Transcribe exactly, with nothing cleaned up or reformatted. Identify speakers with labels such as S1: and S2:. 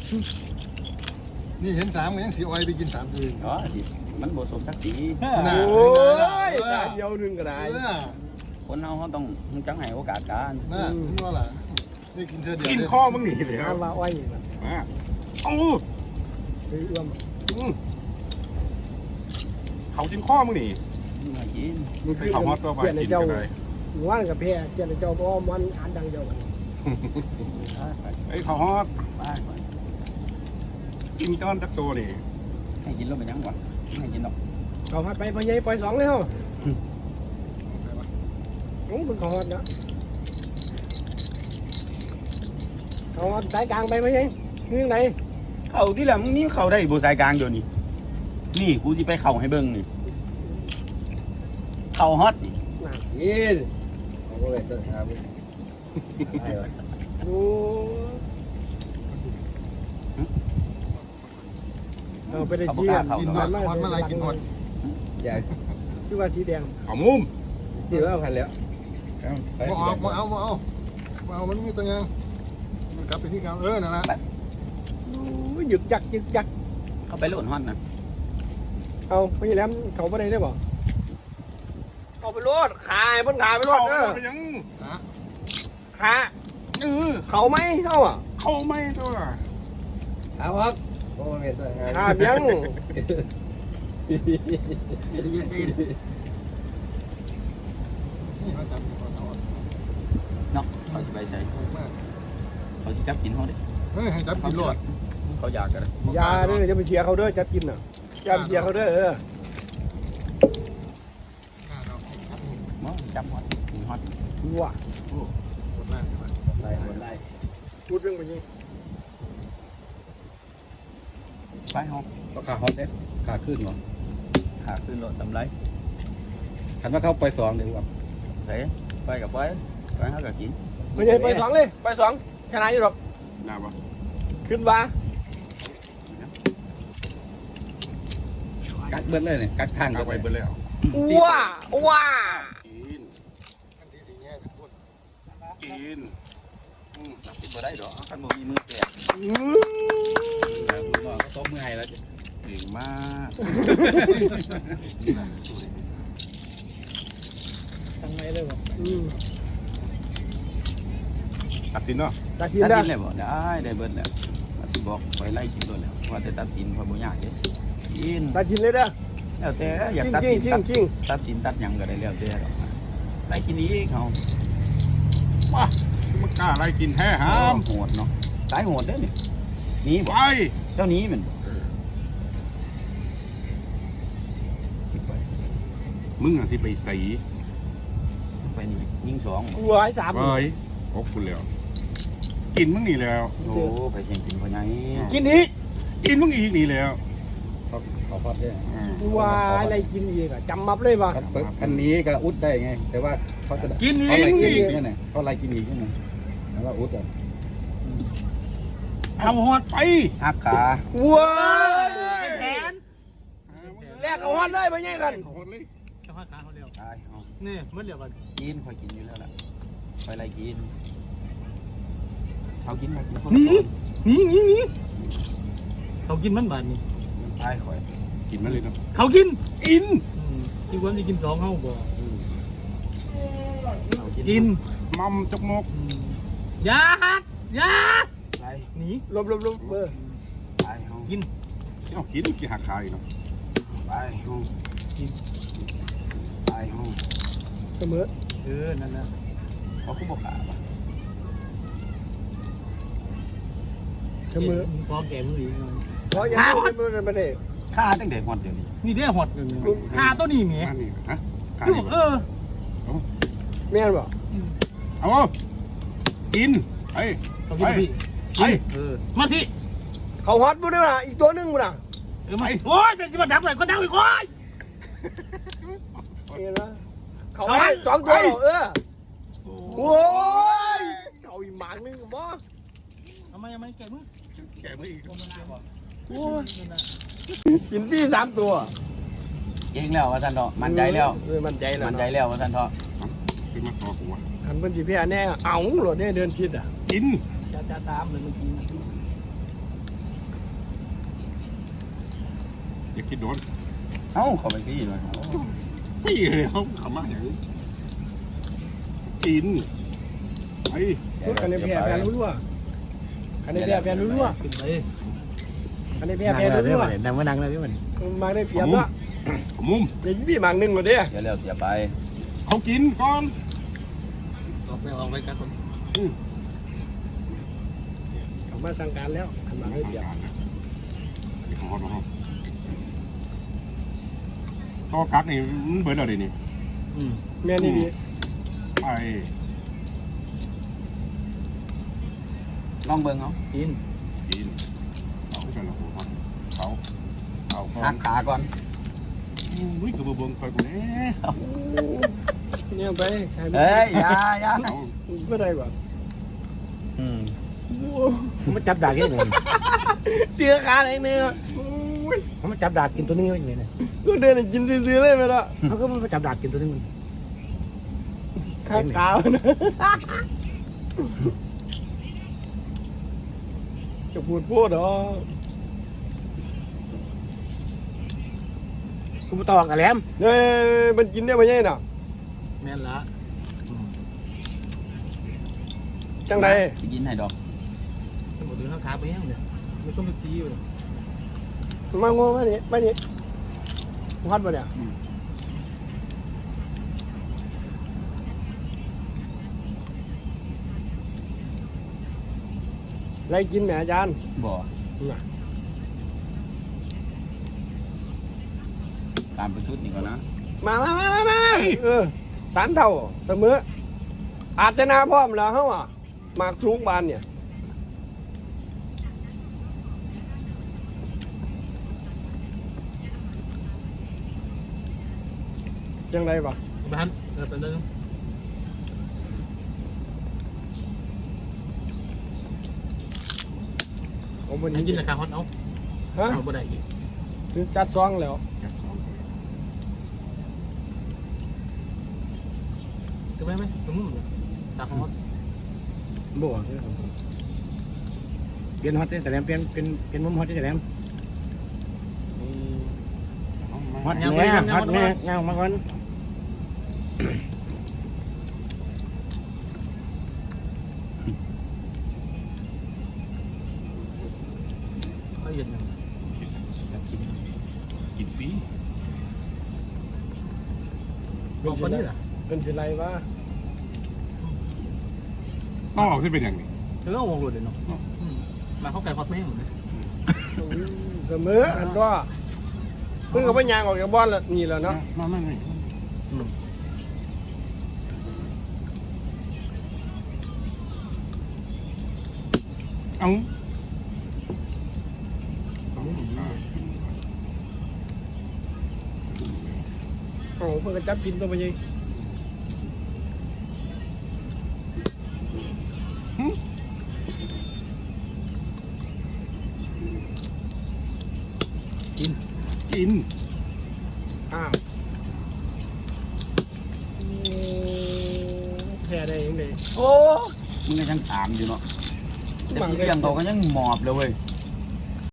S1: นี่เห็นสามก็ยังสีอ้อยไปกินสามคืน
S2: อ๋อสิมันบ่สมศักดิ์ศรี
S3: โอ้ยตาเดียวนึงก็ได้
S2: คนเราเขาต้องจังให้โอกาสกัน
S1: น่าคุณว่าล่ะได้กินเธอเดียว
S4: กินข้อมึงหนีเลย
S3: งานว่าอ้อยนะ
S4: มาเอา
S3: เฮ้ยเอื้อม
S4: เขากินข้อมึงหนี
S2: มากิน
S3: มึง
S4: ไป
S3: คือ
S4: เขาฮอตตัวไป
S3: เพื่อนใน
S4: กิน
S3: เจ้า
S4: กันเลย
S3: หมู่บ้านกับแพร่เพื่อนในเจ้าเพราะมันอ่านดังเดียวกัน
S4: ไอ้เขาฮอต
S2: ไปไป
S4: กินจ้อนจักตัวนี่
S2: ให้กินแล้วเป็นยังวะให้กินหรอก
S3: เขาฮัดไปพอใหญ่ปล่อยสองเลยเหรอโอ้คุณเขาฮัดนะเขาฮัดสายกลางไปไหมยัยนี่ยังไง
S2: เข่าที่แหละมึงนี่เข่าได้บ่สายกลางเดี๋ยวนี้นี่กูสิไปเข่าให้เบิ่งนี่เข่าฮอตนี่
S3: น่ะ
S5: ยินเอาไปเลยตัวครับ
S3: ดูเอาไปได้เยี่ยม
S1: กินหอดหอดมาอะไรกินหอด
S5: อยาก
S3: คือว่าสีแดง
S4: เอามุม
S5: ที่ว่าพันแล้วไป
S1: มาเอามาเอามาเอามาเอามันมีตัวยังมันกลับไปที่เก่าเออนั่นแหละ
S3: ดูหยึกจักหยึกจัก
S2: เข้าไปโหลดฮอตนะ
S3: เอาไปแหลมเขาไปได้ได้บ่เอาไปรถขายบนขายไปรถ
S4: เขา
S3: เออ
S4: เป็นยัง
S1: ฮะ
S3: ขา
S4: เออ
S3: เขาไหมเขาอ่ะ
S4: เขาไม่ตัว
S5: เอาครับโอ้เห็นตัวครับ
S3: ขาเบี้ยง
S1: นี่เขาจับกินหอดเอา
S2: เนาะเขาจะไปใส่
S1: มาก
S2: เขาจะจับกินเขาดิ
S1: เฮ้ยให้จับกินหลอด
S2: เขาอยากกันเลย
S3: อยาเด้อจะไปเชียร์เขาเด้อจับกินน่ะอย่าไปเชียร์เขาเด้อเออ
S2: มั้งจับฮอตกินฮอต
S3: ดูว่ะ
S1: หมดแล้ว
S5: ไล่หมดไล่
S3: พูดเรื่องไปยิง
S2: ไปห้อง
S5: ก็ขาฮอตเนี่ยขาขึ้นหรอ
S2: ขาขึ้นรถตำไร
S5: คันว่าเขาไปสองเดี๋ยวว่า
S2: เฮ้ไปกับไปไปหากับกิน
S3: ไม่ใช่ไปสองเลยไปสองชนะอยู่หรอก
S4: น่าปะ
S3: ขึ้นว่า
S5: กัดเบิ้ลเลยเนี่ยกัดทาง
S4: กาไปเบิดแล้ว
S3: ว้าว้า
S4: กิน
S1: อันที่สี่แง่ทุกคน
S4: กิน
S2: อืมจับกินบ่ได้ดอกคันบ่มีมือแก่
S3: อื้อ
S5: คุณน้องเขาต้มมือให้แล้ว
S4: เก่งมาก
S3: ตั้งไหนเลยบ่อืม
S4: ตัดสินเนาะ
S3: ตัดสิน
S2: ตัด
S3: ได้
S2: สินเลยบ่ได้ได้เบิดแล้วตัดสินบอกไปไล่กินโดนแล้วว่าแต่ตัดสินพอบ่ยากเด้กิน
S3: ตัดสินเลยเด้อ
S2: แล้วแต่อยาก
S3: จริง
S2: ตัด
S3: จริ
S2: สิ
S3: ง
S2: น
S3: จริง
S2: ตัด
S3: จริง
S2: ตัดสินตัดหยังก็ได้แล้วแต่ดอกไล่กินอีกเขา
S4: ว้ามันกล้าอะไรกินแท้หาม
S2: โหดเนาะสายโหดเด้อนี่หนี
S4: ไป
S2: บ่เจ้าหนี้มันสิไป
S4: มึงอ่ะสิไปใส่
S2: ไปนี่ยิงสอง
S3: กูหายสาม
S4: ไปพบคุณแล้ว กินมึงนี่แล้ว
S2: โอ้ไปเชียงกินพ่อใหญ่
S3: กินอีก
S4: กินมึงอีกนี่แล้ว
S5: เขาเขาฮอตเนี่ย
S4: อืม
S3: กูว่าอะไรกินอีกอ่ะจำมับเลยป่ะ
S5: คันนี้ก็อุดได้ไง แต่ว่าเขาจะ
S4: กินอี
S5: เขา
S4: ก
S5: ไล่กิน
S4: อี
S5: อี
S4: ก
S5: กนั่นแหละเขาไล่กินอีกนั่นแหละแต่ว่าอุดอ่ะ
S4: ทำฮอดไป
S2: หักขา
S3: ว้ายแขนแลกเอาฮัดเลยไปยังกัน
S4: ฮอดเลย
S3: เอาฮัดขาเขาเร็ว
S2: ตายเอา
S3: นี่มันเร็วกัน
S2: กินคอยกินอยู่แล้วล่ะไปไล่กินเขากินเขากิน
S3: หนีหนีหนีหนีเขากินมันบาดนี่
S2: ตายคอย
S4: กินมาเลยเนาะ
S3: เขากิน
S4: กิน
S3: ที่ควรจะกินสองเขาบ่
S2: เขา
S3: กิน
S4: มัมจกมก
S3: ยาฮัดยา
S2: ไล่
S3: หนีลบลบลบเบอร์
S2: ตายเขา
S3: กิน
S4: เอ้ากินกินหักคายเนาะ
S2: ตายเขาตายเขา
S3: เสมอเออนั่นนะ
S2: เขาคุ้มบอกขาปะ
S3: เสมอพอแก่มืออีกพอยังไม่ได้ไม่ได้
S2: ฆ่าตั้งแต่หมดเดี๋ยวนี้
S3: นี่ได้หอดเลยขาตัวนี้เมีย
S4: มานี่ฮะคาย
S3: เออแม่นบ่
S4: เอากินไปไปไป
S3: เออมาที่เขาฮอตบุ้นะอีกตัวนึงบุ้นะเออมาโอ้ยเป็นจิบดับเลยก็ดับอีกโอ้ยเห็นไหมเขาให้สองตัวเออโอ้ยเขาอีกหมางนึงบ่ทำไมยังไม่แก่มึง
S4: แกไม่อีก
S3: โอ้ยกินที่สามตัว
S2: เก่งแล้วว่าท่านเถาะมั่นใจแล้ว
S3: เออมั่นใจแล้ว
S2: มั่นใจแล้วว่าท่านเถาะ
S4: กินมาต่อกูวะ
S3: หันเป็นจีพีแน่เอ้าหลดเนี่ยเดินผิดอ่ะ
S4: กิน
S3: จะจะตามเลยเมื่อกี้
S4: กินโดน
S2: เอ้าเขาไปพี่เลย
S4: พี่เลยเขาขำมากอย่างนี้กินไป
S3: คันนี้แพ้แพ้รู้ว่าคันนี้แพ้แพ้รู้ว่าขึ้นไปคันนี้แพ้แพ้รู้ว่านั่งมานั่งเลยพี่มันมาได้เปรียบละ
S4: มุม
S3: เดี๋ยวพี่มังหนึ่งหมดเด้
S2: เดี๋ยวแล้วเสียไป
S4: เขากินก่อน
S3: ออกไปออกไปกันคนกลับมาสั่งการแล้วหันมาให้เปรียบ
S4: ของเขาของเขากัดนี่มันเบิร์ดอะไรนี่
S3: แม่นี่ดี
S4: ไป
S2: ลองเบิ่งเขากิน
S4: กินเขาจะละหัวเขาเขาเขา
S2: หักขาก่อน
S4: อุ้ยกระเบื้องคอยกูเนี่ย
S3: เนี่ยไป
S2: เฮ้ยอย่าอย่า
S3: ไม่ได้กว่า
S2: อืม
S6: มันจับดากยังไง
S3: เตี้ยขาเองเนี่ย
S6: มันจับดากกินตัวนึงยังไงเนี่ย
S3: ก็เดินกินซื้อเลยไปละ
S6: เขาก็มันจับดากกินตัวนึงมัน
S3: ข้างขาวนะจะพูดพูดเหรอ
S6: กูมาตอกกับแหลม
S3: เฮ้ยมันกินได้ไหมเนี่ยน่ะ
S6: แม่นละ
S3: จังได
S2: สิกินให้ดอก
S6: มันหมดถึงข้างขาไปยังเนี่ยมันต้องเป็นซีอยู่เลย
S3: มาโง่มานี่มานี่พัดมาเนี่ยไรกินแหมอาจารย์
S2: บ่ตามไปชุดนี่ก่อนนะ
S3: มามามามามาเออสารเท่าเสมออาจจะนาพร้อมแล้วเฮาอ่ะหมากสูงบานเนี่ยจังไรบ่
S6: บ้านเออเป็นตัวนึง
S3: เอาบน
S6: ให้
S3: นี้
S6: กินราคาฮอตเอา
S3: ฮะ
S6: เอาบ่ได้อีก
S3: ซื้อจัดซองแล้ว
S6: ถูกไหมไหมตรงนู้นราคาฮอตบ่เปลี่ยนฮอตแต่แหลมเปลี่ยนเป็นเป็นมุมฮอตแต่แหลมฮอตแน่ฮอตแน่เงามาก่อนเขาเย็น
S4: กินฟรี
S6: บอกคนนี้เหรอ
S3: เป็นสิไรวะ
S4: ต้องออกที่เป็นอย่างนี้
S6: เออเอาวงหลุดเลยเนาะมาเข้าไก่ฮอตแม่งเลย
S3: เสมออันก็เพิ่งกับพยางออกจากบ้านละนี่แหละเนาะ
S4: มาไม่ไม่เอา
S3: โอ้เพิ่งกระจับกินตัวไปยัง
S4: กิน
S3: อ้าวแพ้ได้ยังไง
S2: โอ้มึงก็ยังถามอยู่เนาะจะกินเรื่องเขาก็ยังหมอบเลยเว้ย